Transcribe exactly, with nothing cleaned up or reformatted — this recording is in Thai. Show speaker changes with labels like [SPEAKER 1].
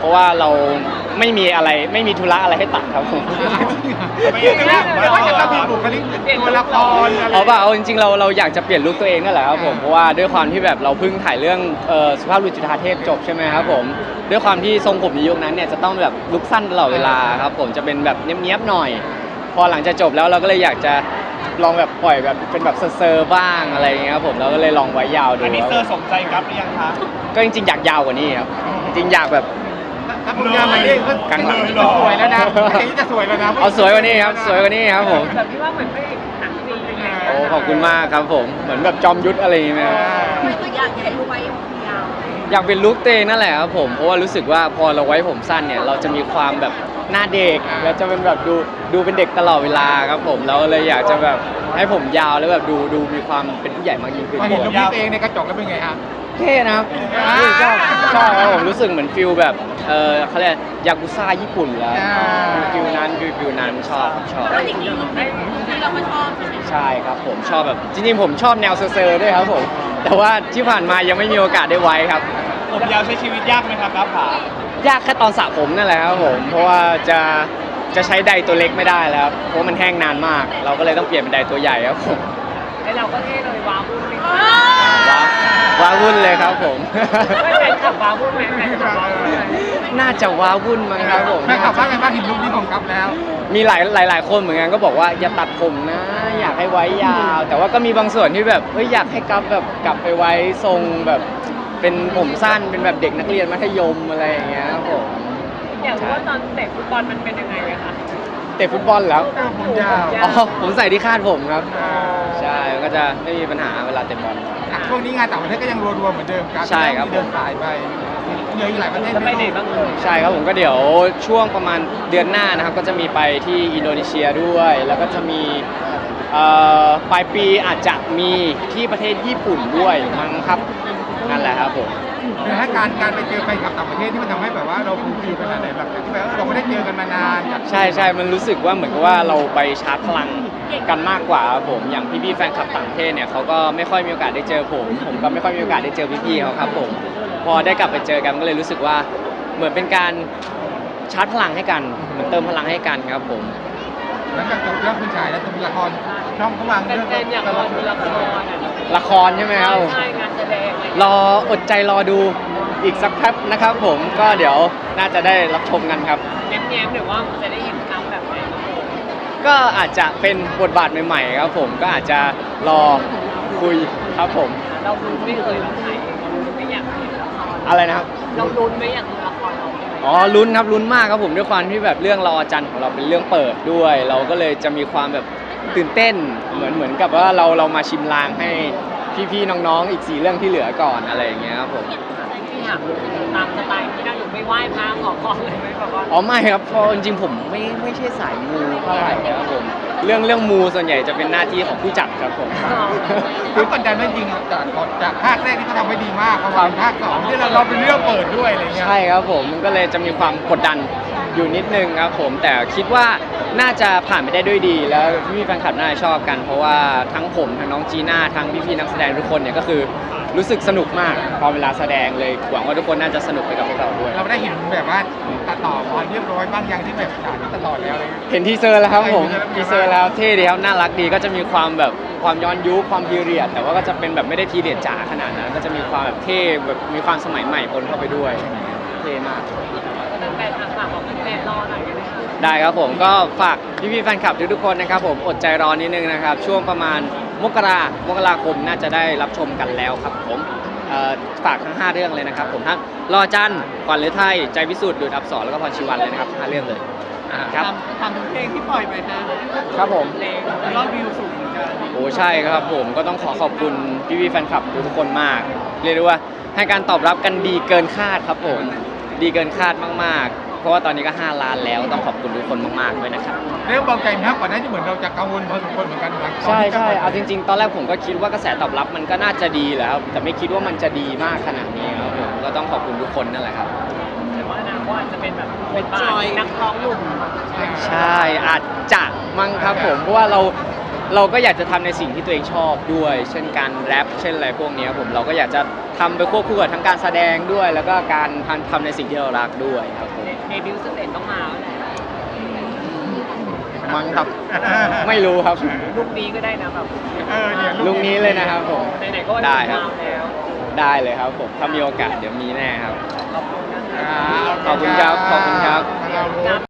[SPEAKER 1] เพราะว่าเราไม่มีอะไรไม่มีธุระอะไรให้ตัดครับผม
[SPEAKER 2] ไม่ใช่ว่าจะต้องมีบุคลิกตัวละครอะไร
[SPEAKER 1] เอาเปล่าเอาจริงๆเราเราอยากจะเปลี่ยนลุคตัวเองนั่นแหละครับผมเพราะว่าด้วยความที่แบบเราเพิ่งถ่ายเรื่องเอ่อสุภาพบุรุษจุฑาเทพจบใช่ไหมครับผมด้วยความที่ทรงผมในยุคนั้นเนี่ยจะต้องแบบลุคสั้นตลอดเวลาครับผมจะเป็นแบบเนี้ยบๆหน่อย พอหลังจากจบแล้วเราก็เลยอยากจะลองแบบปล่อยแบบเป็นแบบเซอร์ๆบ้างอะไรอย่างเงี้ยครับผมเราก็เลยลองไว้ยาวดู
[SPEAKER 2] อันนี้เซอร์สมใจกับหรือยังคะ
[SPEAKER 1] ก็จริงๆอยากยาวกว่านี้ครับจริงๆอยากแบบ
[SPEAKER 2] ถ้าผมยาวมาเนี่ยก็
[SPEAKER 1] กลางหลัง
[SPEAKER 2] จะสวยแล้วนะอันนี้จะสวยแล้วนะ
[SPEAKER 1] เอาสวยกว่านี้ครับสวยกว่านี้ครับผม
[SPEAKER 3] แบบที่ว่าเหมือนพระเอกหนังจีนอะไรอย่างเงี้ย
[SPEAKER 1] โอ้ขอบคุณมากครับผมเหมือนแบบจอมยุทธอะไรอย่างเงี้ยไหมครับ
[SPEAKER 3] อยากเห็นรู้ไว้ยาว
[SPEAKER 1] อยากเป็นลุคตัวเองนั่นแหละครับผมเพราะว่ารู้สึกว่าพอเราไว้ผมสั้นเนี่ยเราจะมีความแบบหน้าเด็กแล้วจะเป็นแบบดูดูเป็นเด็กตลอดเวลาครับผมเราเลยอยากจะแบบให้ผมยาวแล้วแบบดูดูมีความเป็นผู้ใหญ่มากยิ่งขึ้น
[SPEAKER 2] พอเห็นรูปนี้ตัวเองในกระจกแล้วเป็นไงฮะ
[SPEAKER 1] เท่นะครับ
[SPEAKER 2] อ่า
[SPEAKER 1] ชอบชอบครับผมรู้สึกเหมือนฟิลแบบเออเขาเรียกยากุซ่าญี่ปุ่นแล้ว
[SPEAKER 2] อ่า
[SPEAKER 1] ฟิลนั้นฟิลฟิลนั้นชอบครับชอบ
[SPEAKER 3] แล้วจริงๆได้ที่เราก็ชอบใช่ไหม
[SPEAKER 1] ใช่ครับผมชอบแบบจริงๆผมชอบแนวเซอร์ๆด้วยครับผมแต่ว่าที่ผ่านมายังไม่มีโอกาสได้ไว้ครับ
[SPEAKER 2] ผมยาวใช้ชีวิตยากไหมครับครับผาย
[SPEAKER 1] ากแค่ตอนสระผมนั่นแหละครับผมเพราะว่าจะจะใช้ไดร์ตัวเล็กไม่ได้แล้วครับเพราะมันแห้งนานมาก เราก็เลยต้องเปลี่ยนเป็นไดร์ตัวใหญ่ครับผม
[SPEAKER 3] ไอเราก็เท่เลยว้าวุ่นเลย
[SPEAKER 1] ว้าวว้าวุ่นเลยครับผม
[SPEAKER 3] ไม่เป็นขับว้าวุ่นไหมแฟนขับว้าวุ่นไหม
[SPEAKER 1] น่าจะว้าวุ่นมั้งครับผม
[SPEAKER 2] แม่ขับว่าไงบ้างเห็นรูปนี้ของกับแล้ว
[SPEAKER 1] มีหลายหลายหลายคนเหมือนกันก็บอกว่าอย่าตัดผมนะ อยากให้ไว้ยาว แต่ว่าก็มีบางส่วนที่แบบเฮ้ยอยากให้กลับแบบกลับไปไว้ทรงแบบเป็นผมสั้นเป็นแบบเด็กนักเรียนมัธยมอะไรอย่างเงี้ยครับผม
[SPEAKER 3] อยากรู้ว่าตอนเตะฟุตบอลมันเป็นยังไงอะคะ
[SPEAKER 1] เตะฟุตบอลแล้ว
[SPEAKER 2] ผมยาว
[SPEAKER 1] อ๋อผมใส่ที่คาดผมครับ ใช่ก็จะไม่มีปัญหาเวลาเตะบอล
[SPEAKER 2] ช่วงนี้งานต่างประเทศก็ยังรัวๆเหมือนเดิมครับ
[SPEAKER 1] ใช่ครับ
[SPEAKER 2] เดินสายไปเหลืออีกหลายประเทศ
[SPEAKER 3] จะไปไหนบ้างเอ่ย
[SPEAKER 1] ใช่ครับผมก็เดี๋ยวช่วงประมาณเดือนหน้านะครับ ก็จะมีไปที่อินโดนีเซียด้วย แล้วก็จะมีเอ่อปลายปีอาจจะมีที่ประเทศญี่ปุ่นด้วยมั้งครับนั่นแหละครับผม
[SPEAKER 2] หรือถ้าการการไปเจอแฟนคลับต่างประเทศที่มันทำให้แบบว่าเราฟูลฟิลขนาดไหนแบบที่แบบว่าเราไม่ได้เจอกันมานานอยาก
[SPEAKER 1] ใช่ใช่มันรู้สึกว่าเหมือนกับว่าเราไปชาร์จพลังกันมากกว่าครับผมอย่างพี่ๆแฟนคลับต่างประเทศเนี่ยเขาก็ไม่ค่อยมีโอกาสได้เจอผม ผมก็ไม่ค่อยมีโอกาสได้เจอพี่ๆเขาครับผมพอได้กลับไปเจอกันก็เลยรู้สึกว่าเหมือนเป็นการชาร์จพลังให้กันเหมือนเติมพลังให้กันครับผม
[SPEAKER 2] หลังจากจบเรื่องคุณชายแล้วจะมีละครช่องเขาวางเรื่อง
[SPEAKER 3] แฟนๆอยากรอดูละครอะ
[SPEAKER 1] ละครใช่ไหมครับ
[SPEAKER 3] ใช่งานแสดงอะไรอย่าง
[SPEAKER 1] ร
[SPEAKER 3] เงี้ย
[SPEAKER 1] ออดใจรอดูอีกสักแป๊บนะครับผมก็เดี๋ยวน่าจะได้รับชมกันครับ
[SPEAKER 3] แง้มๆหรือว่าจะได้เห็นกรรมแบบไหนบ้างเอ่ย
[SPEAKER 1] ก็อาจจะเป็นบทบาทใหม่ๆครับผมก็อาจจะรอคุยครับผม
[SPEAKER 3] เราลุ้นไม่เคยเราถ่ายเองเราลุ้นไม่อยากเห็นละคร
[SPEAKER 1] อะไรนะครับ
[SPEAKER 3] เราลุ้นไม่อยากดูละครเราใช่ไหม
[SPEAKER 1] อ๋อลุ้นครับลุ้นมากครับผมด้วยความที่แบบเรื่องรอจันทร์ของเราเป็นเรื่องเปิดด้วย เราก็เลยจะมีความแบบตื่นเต้นเหมือนเหมือนกับว่าเราเรามาชิมลางให้พี่ๆน้องๆอีกสี่เรื่องที่เหลือก่อนอะไรอย่างเงี้ยครับผม
[SPEAKER 3] ที่ถามตามสไตล์ที่น่าดูไม่ไหว้พระขอพรเลยไหมแบบว่า
[SPEAKER 1] อ๋อไม่ครับเพราะจริงๆผมไม่ไม่ใช่สายมูเท่าไหร่ครับผมเรื่องเรื่องมูส่วนใหญ่จะเป็นหน้าที่ของผู้จัดครับผม
[SPEAKER 2] คือกดดันไม่จริงจากจากภาคแรกที่เขาทำไว้ดีมากพอมาเป็นภาคสองที่เราเราเป็นเรื่องเปิดด้วยอะไรเงี้ย
[SPEAKER 1] ใช่ครับผมมันก็เลยจะมีความกดดันอยู่นิดนึงครับผมแต่คิดว่าน่าจะผ่านไปได้ด้วยดี แล้วพี่ๆแฟนคลับน่าจะชอบกัน เพราะว่าทั้งผมทั้งน้องจีน่าทั้งพี่ๆนักแสดงทุกคนเนี่ยก็คือรู้สึกสนุกมากพอเวลาแสดงเลยหวังว่าทุกคนน่าจะสนุกไปกับพวกเราด้วย
[SPEAKER 2] เราได้เห็นแบบว่าตัดต่อมาเรียบร้อยบ้างยังที่แบบฉากนี้ตัดต่อแล้วอะไรเงี้ย
[SPEAKER 1] เห็นทีเซอร์แล้วครับผม
[SPEAKER 2] ใช่
[SPEAKER 1] ทีเซอร์แล้วเท่ดีครับน่ารักดีก็จะมีความแบบความย้อนยุคความพีเรียดแต่ว่าก็จะเป็นแบบไม่ได้พีเรียดจ๋าขนาดนั้นก็จะมีความแบบเท่แบบมีความสมัยใหม่ปนเข้าไปด้วยเท่มาก
[SPEAKER 3] ก็เป็นแฟนทางฝากบอกแฟนๆรอหน่อยกันนะคะ
[SPEAKER 1] ได้ครับผมก็ฝากพี่ๆแฟนคลับทุกๆคนนะครับผมอดใจรอนิดนึงนะครับช่วงประมาณมกรามกราคมน่าจะได้รับชมกันแล้วครับผมเอ่อฝากทั้งห้าเรื่องเลยนะครับผมทั้งรอจันทร์ขวัญฤทัยใจพิสูจน์ดูดอับสรแล้วก็พรชีวันเลยนะครับห้าเรื่องเลยครับ
[SPEAKER 3] ทำเพลงที่ปล่อยไปนะครับ
[SPEAKER 1] ผม
[SPEAKER 3] เพลงยอดวิวสูงเหมือนกัน
[SPEAKER 1] โอ้ใช่ครับผมก็ต้องขอขอบคุณพี่ๆแฟนคลับทุกๆคนมาก เรียกได้ว่าให้การตอบรับกันดีเกินคาดครับผมดีเกินคาดมากๆ เพราะว่าตอนนี้ก็ห้าล้านแล้วต้องขอบคุณทุกคนมากๆด้วยนะครับ
[SPEAKER 2] เรื่องเบาใจไหมครับก่อนหน้าที่เหมือนเราจะกังวลพอสมควรเหมือนกันหลัง
[SPEAKER 1] ใช่ใช่เอาจริง ๆ ตอนแรกผมก็คิดว่ากระแสตอบรับมันก็น่าจะดีแหละครับแต่ไม่คิดว่ามันจะดีมากขนาดนี้ครับผมก็ต้องขอบคุณทุกคนนั่นแหละครับ
[SPEAKER 3] แต่ว่าอนาคตอาจจะเป็นแบบเป็นบาทนักร้องหนุ่ม
[SPEAKER 1] ใช่อาจจะมั้งครับผมเพราะว่าเราเราก็อยากจะทำในสิ่งที่ตัวเองชอบด้วย เช่นการแรปเช่นอะไรพวกนี้ผมเราก็อยากจะทำไปควบคู่กับทั้งการแสดงด้วย แล้วก็การทำในสิ่งที่เรารักด้วยครับผม
[SPEAKER 3] เดบิวต์สเตจต้องมาแล้วแหละ
[SPEAKER 1] มั้งครับ ไม่รู้ครับ
[SPEAKER 3] ลูกนี้ก็ได้นะแบบ
[SPEAKER 2] เออเนี่ย
[SPEAKER 1] ลุงนี้เลยนะครับผม
[SPEAKER 3] ไหนๆก็วัน
[SPEAKER 1] ได้
[SPEAKER 3] นี้
[SPEAKER 1] ครับ
[SPEAKER 3] มาแล้ว
[SPEAKER 1] ได้เลยครับผมถ้ามีโอกาสเดี๋ยวมีแน่ครับ
[SPEAKER 3] ขอบคุณนะคะ
[SPEAKER 2] อ่า
[SPEAKER 1] ขอบคุณครับขอบคุณครับ
[SPEAKER 2] เรารู้